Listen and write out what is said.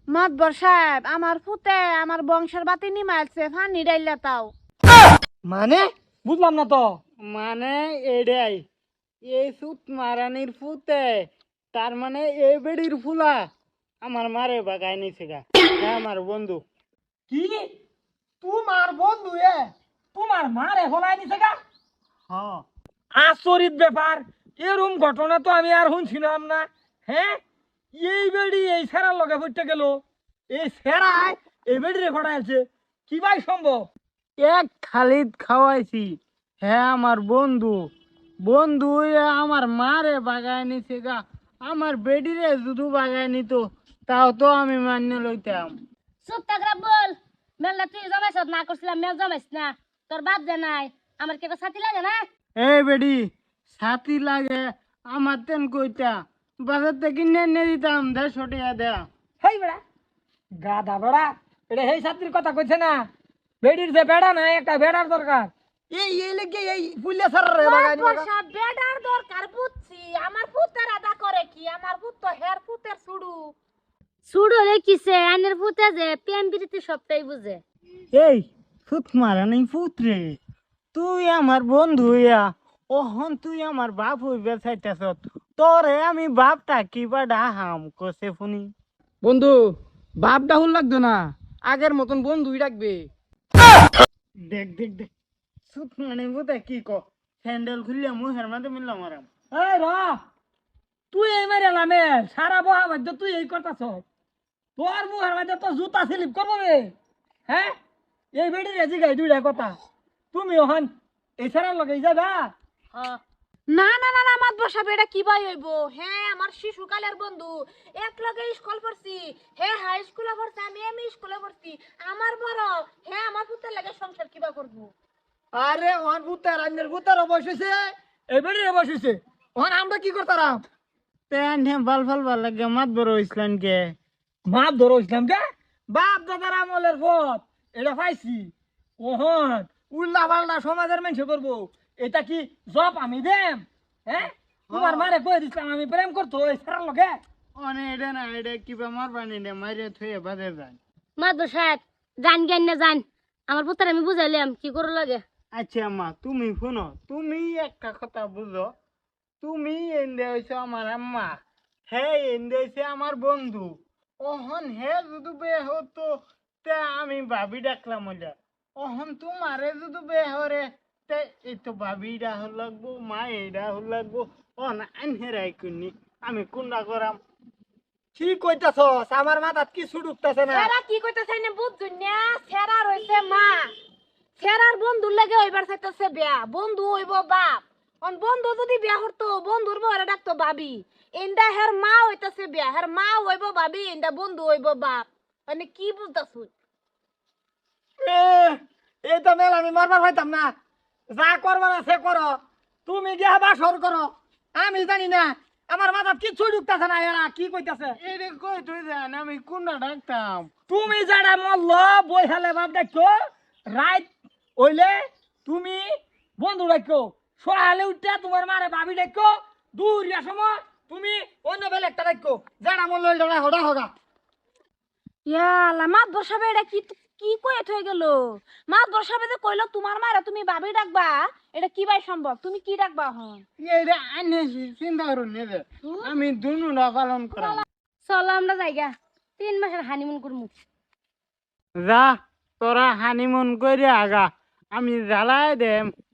মাতবর সাহেব আমার ফুতে আমার বংশের বাতি নিমাইছে ফানি ডাইলা তাও। মানে বুঝলাম না তো। মানে এডাই এই সুত মারানির ফুতে তার মানে এই বেড়ির ফুলা আমার মারে বাগায় নিছে গা। হ্যাঁ আমার বন্ধু। কি তোমার বন্ধু তোমার মারে হলাই নিছে গা? হ্যাঁ আচরিত ব্যাপার, এরকম ঘটনা তো আমি আর শুনছিলাম না। হ্যাঁ, এই বেড়ি এই সেরার লগে পড়তে গেল, এই সেরায় এই বেড়িরে ঘটাইছে, কি ভাই সম্ভব? এক খালিদ খাওয়াইছি। হ্যাঁ আমার বন্ধু বন্ধু আমার মারে বাগায় নিছে গা। আমার বেডিরে শুধু বাগায় নিত তাও তো আমি মান্য লইতাম। চুপ থাকরা বল। মেলনা তুই জমাইছ না করছিলাম, মেল জমাইছ না। তোর বাপ যে নাই আমার কি একটা সাথী লাগে না? এই বেডি সাথী লাগে আমার তেন কইতা বাজার থেকে নিয়ে দিতাম 150 টাকা দেয়া। হেই বেড়া, গাধা বেড়া, এটা সেই ছাত্রীর কথা কইছে না? বেড়ির যে বেড়া না, একটা বেড়ার দরকার। এই লেগে এই পুলিয়া সার রে বাগানি মাতবর সাহেব বেডার দরকার বুঝছি, আমার ফুতের আদা করে কি? আমার ফুত তো হের ফুতের ছুড়ু। সুড়ো রে কিসে আইনের ফুতে যে প্রেম প্রীতি সবটাই বুঝে। এই ফুট মারা নেই ফুটরে, তুই আমার বন্ধু ইয়া, ওহন তুই আমার বাপ হইবে চাইতেছ। তোরে আমি বাপটা কিবা ডাহাম কষে শুনি। বন্ধু, বাপ ডাহুল লাগতো না, আগের মতন বন্ধুই রাখবে। দেখ দেখ দেখ সুত মানে বোধ কি ক স্যান্ডেল খুললে মুখের মাঝে মিললাম আরাম। এই র, তুই এই মেরে লামে সারা বহা বাধ্য তুই এই করতাছ। তোর মুখের মধ্যে তো জুতা স্লিপ করবো রে। হ্যাঁ, এই বেড়ি রেজি গাই দুইটা কথা, তুমি ওখান এই সারার লগে যাবা? হ্যাঁ না না না না মাতবর সাহেব এটা কি ভাই হইব? হ্যাঁ আমার শিশুকালের বন্ধু, এক লগে স্কুল পড়ছি। হ্যাঁ হাই স্কুলে পড়ছি, আমি এমই স্কুলে পড়ছি। আমার বড়, হ্যাঁ আমার পুতের লাগে সংসার কিবা করবো? আরে ওখান ভূতার আন্যের ভূতার বসেছে, এই বেড়ি বসেছে, ওখান আমরা কি করতাম? তেন হে বাল ফাল ভাল লাগে মাত বড় ইসলাম কে মাপ ধরো ইসলাম কে? বাপ দাদার আমলের পথ এটা পাইছি। ওহন উল্লা পাল্লা সমাজের মানুষ করবো, এটা কি জব আমি দেম? হ্যাঁ, তোমার মারে কয়ে দিছিলাম আমি প্রেম করতো এই সারার লগে। অনে এটা না এটা কিবা মারবানি নে মাইরে থুয়ে বাদে যায়। মাদবর সাহেব জান জ্ঞান না জান, আমার পুতার আমি বুঝাইলাম কি করে লাগে। আচ্ছা আম্মা তুমি শুনো, তুমি একটা কথা বুঝো, তুমি এনে হইছো আমার আম্মা, হে এনে হইছে আমার বন্ধু। ওহন হে যদি বে হতো তে আমি ভাবি ডাকলাম ওইটা। ওহন তোমারে যদি বে হরে তে এই তো ভাবি ডাহল লাগবো, মা এইডা হল লাগবো। অন আনহেরাই কুনি আমি কোনটা করাম? কি কইতাছস? আমার মাথাত কিছু ঢুকতাছে না। সেরা কি কইতাছে না বুঝছুন না? সেরা রইছে মা, সেরার বন্ধুর লাগে হইবার চাইতেছে বিয়া। বন্ধু হইব বাপ, অন বন্ধু যদি বিয়া করতো বন্ধুর বউরে ডাকতো ভাবি। এন্ডা হের মা হইতাছে বিয়া, হের মা হইব ভাবি, এন্ডা বন্ধু হইব বাপ। মানে কি বুঝতাছুন? এ, এই তো মেল আমি মারবার পাইতাম না। যা করবার আছে করো, তুমি গিয়া বাসর করো, আমি জানি না। আমার মাথাত কিছু ঢুকতাছে না, এরা কি কইতাছে? এটা কই তুই জান আমি কোনটা ডাকতাম? তুমি যারা মল্ল বই হালে বাপ ডাকো, রাইত হইলে তুমি বন্ধু ডাকো, সহালে উঠতে তোমার মারে ভাবি ডাকো, দূরিয়া সময় তুমি অন্য বেলে একটা ডাকো, যারা মল্ল ওই হডা হগা। ইয়ালা মাতবর সাহেব এটা কি কি কয়ে থয়ে গেল? মাতবর সাহেব যে কইলো তোমার মারা তুমি ভাবি ডাকবা, এটা কি ভাই সম্ভব? তুমি কি ডাকবা হন? এইটা আনে চিন্তা করুন নেবে আমি দুনুটা পালন করাম। চলো আমরা জায়গা 3 মাসের হানিমুন করমু। যা তোরা হানিমুন করে আগা, আমি জ্বালাই দেম।